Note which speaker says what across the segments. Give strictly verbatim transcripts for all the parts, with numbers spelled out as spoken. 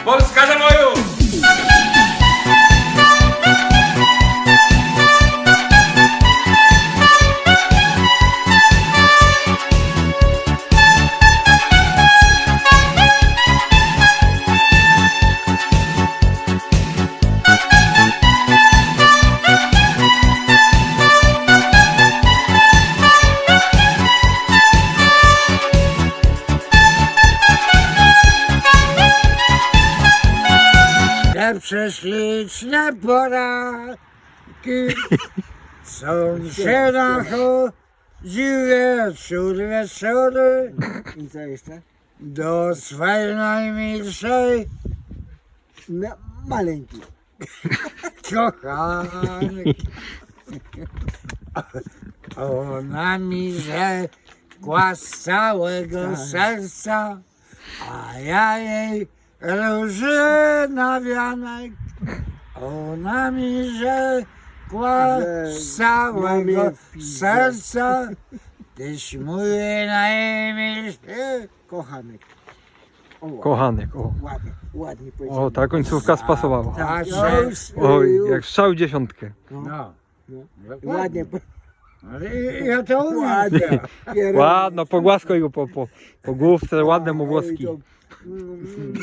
Speaker 1: Polska za boju!
Speaker 2: Prześliczne poranki są się nachodził wieczór wieczory
Speaker 3: I co jeszcze?
Speaker 2: do swej najmilszej
Speaker 3: No, maleńki.
Speaker 2: kochanki. Ona mi rzekła z całego serca, a ja jej róży na wianek. Ona mi rzekła z całego serca, tyś mój najmilszy
Speaker 3: Kochanek. O,
Speaker 4: Kochanek, o.
Speaker 3: ładnie, ładnie powiedziałem.
Speaker 4: O, ta końcówka spasowała.
Speaker 3: Tak,
Speaker 2: Patrzę.
Speaker 3: już,
Speaker 4: Oj,
Speaker 3: już.
Speaker 4: jak strzał w dziesiątkę.
Speaker 3: No,
Speaker 2: No,
Speaker 3: no.
Speaker 2: dokładnie.
Speaker 3: Ładnie. po-
Speaker 2: Ale ja to umiem.
Speaker 3: Ładnie. Kierunek.
Speaker 4: Ładno, pogłaskaj go po, po, po główce, ładne mu
Speaker 3: Ej,
Speaker 4: włoski.
Speaker 3: to- Mm,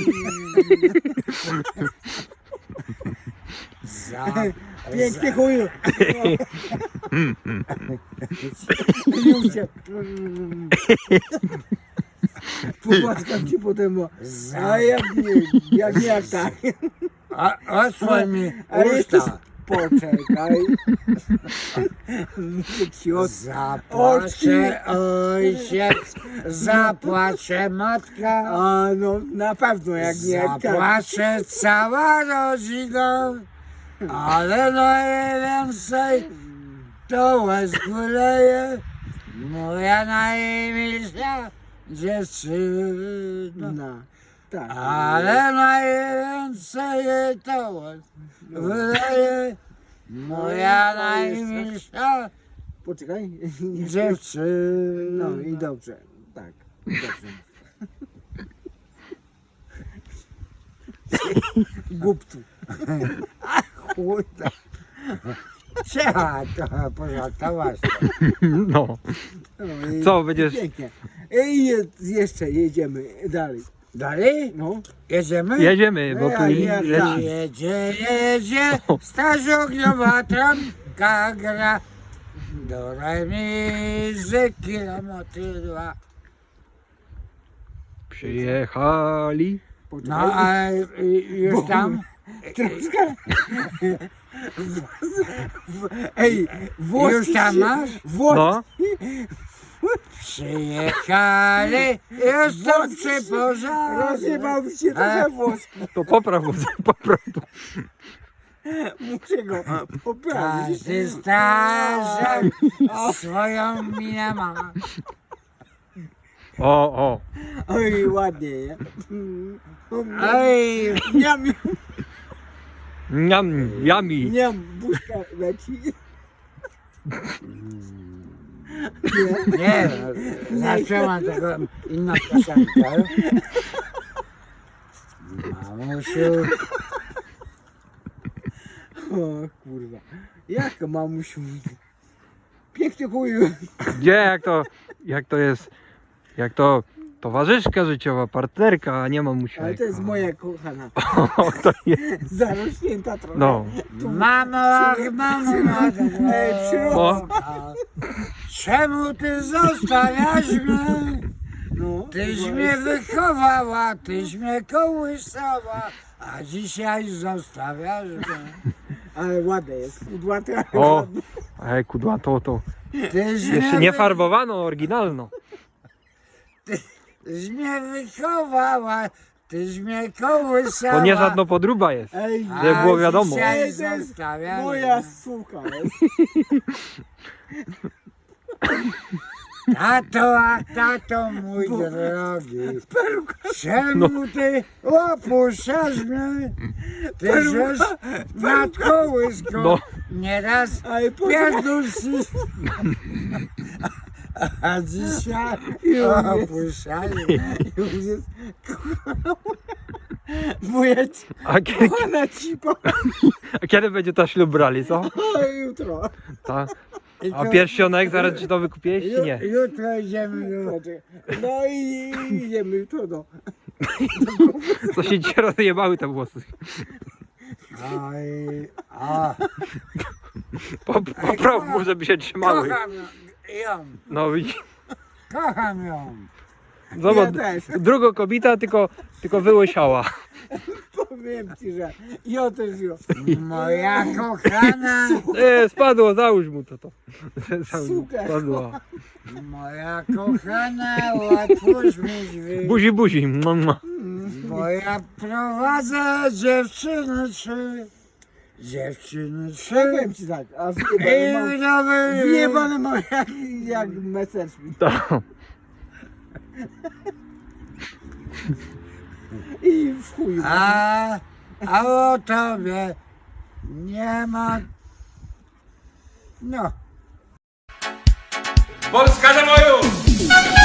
Speaker 2: Za,
Speaker 3: Pięknie chuju. Już cię. Pogłaskam ci potem, bo...
Speaker 2: za,
Speaker 3: A jak nie, jak nie, jak tak.
Speaker 2: a, odsłoń mi
Speaker 3: A jeszcze
Speaker 2: usta.
Speaker 3: poczekaj. Muszę ci od...
Speaker 2: Zapłacze ojciec, zapłacze matka,
Speaker 3: A no, na pewno jak nie, jak tak.
Speaker 2: zapłacze cała rodzina, ale najwięcej to łez wyleje moja najmilsza dziewczyna.
Speaker 3: No, tak.
Speaker 2: Ale najwięcej jej to łez wyleje moja najmilsza
Speaker 3: Poczekaj.
Speaker 2: dziewczyna.
Speaker 3: No i dobrze, tak, dobrze. Głupcu.
Speaker 2: Chuj tam. Trzeba trochę pożartować.
Speaker 4: No.
Speaker 3: No i
Speaker 4: Co, będziesz-
Speaker 3: Pięknie. I je, jeszcze jedziemy dalej.
Speaker 2: Dalej?
Speaker 3: No.
Speaker 2: Jedziemy?
Speaker 4: Jedziemy, bo tu
Speaker 3: Ja-
Speaker 4: i
Speaker 3: ja-
Speaker 4: leci.
Speaker 2: Jedzie, jedzie, straż ogniowa trąbka gra. Do remizy kilometry dwa.
Speaker 4: Przyjechali.
Speaker 2: No
Speaker 3: Poczekaj.
Speaker 2: a y, już tam?
Speaker 3: Troszkę. Ej, włoski
Speaker 2: Już tam
Speaker 3: się-
Speaker 2: masz?
Speaker 3: Włoski.
Speaker 4: No,
Speaker 2: Przyjechali, jestem przy pożarze.
Speaker 3: Rozjebał mi się
Speaker 2: A?
Speaker 3: trochę włoski.
Speaker 4: to popraw go, popraw go.
Speaker 3: Muszę go poprawić.
Speaker 2: Każdy strażak swoją minę ma.
Speaker 4: O, o.
Speaker 3: Oj, ładnie, nie?
Speaker 2: Ej,
Speaker 3: Miam,
Speaker 4: Niam, jami.
Speaker 3: miam, buźka leci.
Speaker 2: nie, zaczęłam tego inną piosenkę. Mamusiu,
Speaker 3: O kurwa. Jak mamusiu? Piękny chuju.
Speaker 4: Gdzie, jak to, jak to jest, jak to towarzyszka życiowa, partnerka, a nie mamusia.
Speaker 3: Ale to jest moja kochana.
Speaker 4: O, to jest,
Speaker 3: Zarośnięta trochę.
Speaker 4: no.
Speaker 2: mamo, ach, mamo,
Speaker 3: Ej, przyrost.
Speaker 2: czemu ty zostawiasz mnie?
Speaker 3: No.
Speaker 2: Tyś mnie wychowała, tyś mnie kołysała, a dzisiaj zostawiasz mnie.
Speaker 3: Ale ładne jest. Kudłaty, ale
Speaker 4: O,
Speaker 3: ładne.
Speaker 4: ej, kudła, to, to.
Speaker 2: Tyś
Speaker 4: Jeszcze
Speaker 2: mnie
Speaker 4: nie
Speaker 2: wy-
Speaker 4: farbowano, oryginalno.
Speaker 2: Tyś mnie wychowała, tyś mnie kołysała.
Speaker 4: To nie żadna podróba jest.
Speaker 3: Ej,
Speaker 4: żeby
Speaker 2: a
Speaker 4: było wiadomo.
Speaker 2: dzisiaj
Speaker 3: Ej, to jest
Speaker 2: zostawiasz
Speaker 3: moja
Speaker 2: mnie.
Speaker 3: suka jest.
Speaker 2: Tato, a tato mój drogi, czemu ty opuszczasz mnie? Ty żeś nad kołyską
Speaker 4: No.
Speaker 2: nieraz
Speaker 3: Ej, poczekaj.
Speaker 2: pierdolszy. A dzisiaj
Speaker 3: Już jest.
Speaker 2: opuszczasz.
Speaker 3: Już jest. Wujek,
Speaker 4: A kiedy,
Speaker 3: ona cipo.
Speaker 4: a kiedy będzie ta ślub brali, co?
Speaker 3: O, jutro.
Speaker 4: Ta.
Speaker 2: I
Speaker 4: A
Speaker 2: to-
Speaker 4: pierścionek zaraz ci to wykupiłeś, czy nie?
Speaker 2: Ju- Jutro idziemy do...
Speaker 3: No i idziemy jutro do...
Speaker 4: To się ci rozjebały te włosy.
Speaker 2: Oj, a,
Speaker 4: Po, popraw mu, żeby się trzymały.
Speaker 2: kocham ją,
Speaker 4: No i
Speaker 2: kocham ją.
Speaker 4: zobacz,
Speaker 3: Ja też.
Speaker 4: druga kobieta tylko, tylko wyłysiała.
Speaker 3: Powiem ci, że ja też ją.
Speaker 2: Moja kochana,
Speaker 4: E, spadło, załóż mu to to. Załóż mu,
Speaker 3: Super.
Speaker 4: spadło.
Speaker 2: moja kochana, otwórz mi drzwi,
Speaker 4: Buzi, buzi. Mua, mua.
Speaker 2: bo ja prowadzę dziewczyny trzy, dziewczyny trzy.
Speaker 3: Powiem ci tak, a
Speaker 2: I
Speaker 3: zjebany mam...
Speaker 2: nowy...
Speaker 3: Zjebany mam jak, jak Messerschmitt.
Speaker 4: To.
Speaker 3: I w chuju.
Speaker 2: A, a o tobie nie ma... No.
Speaker 1: Polska za moją!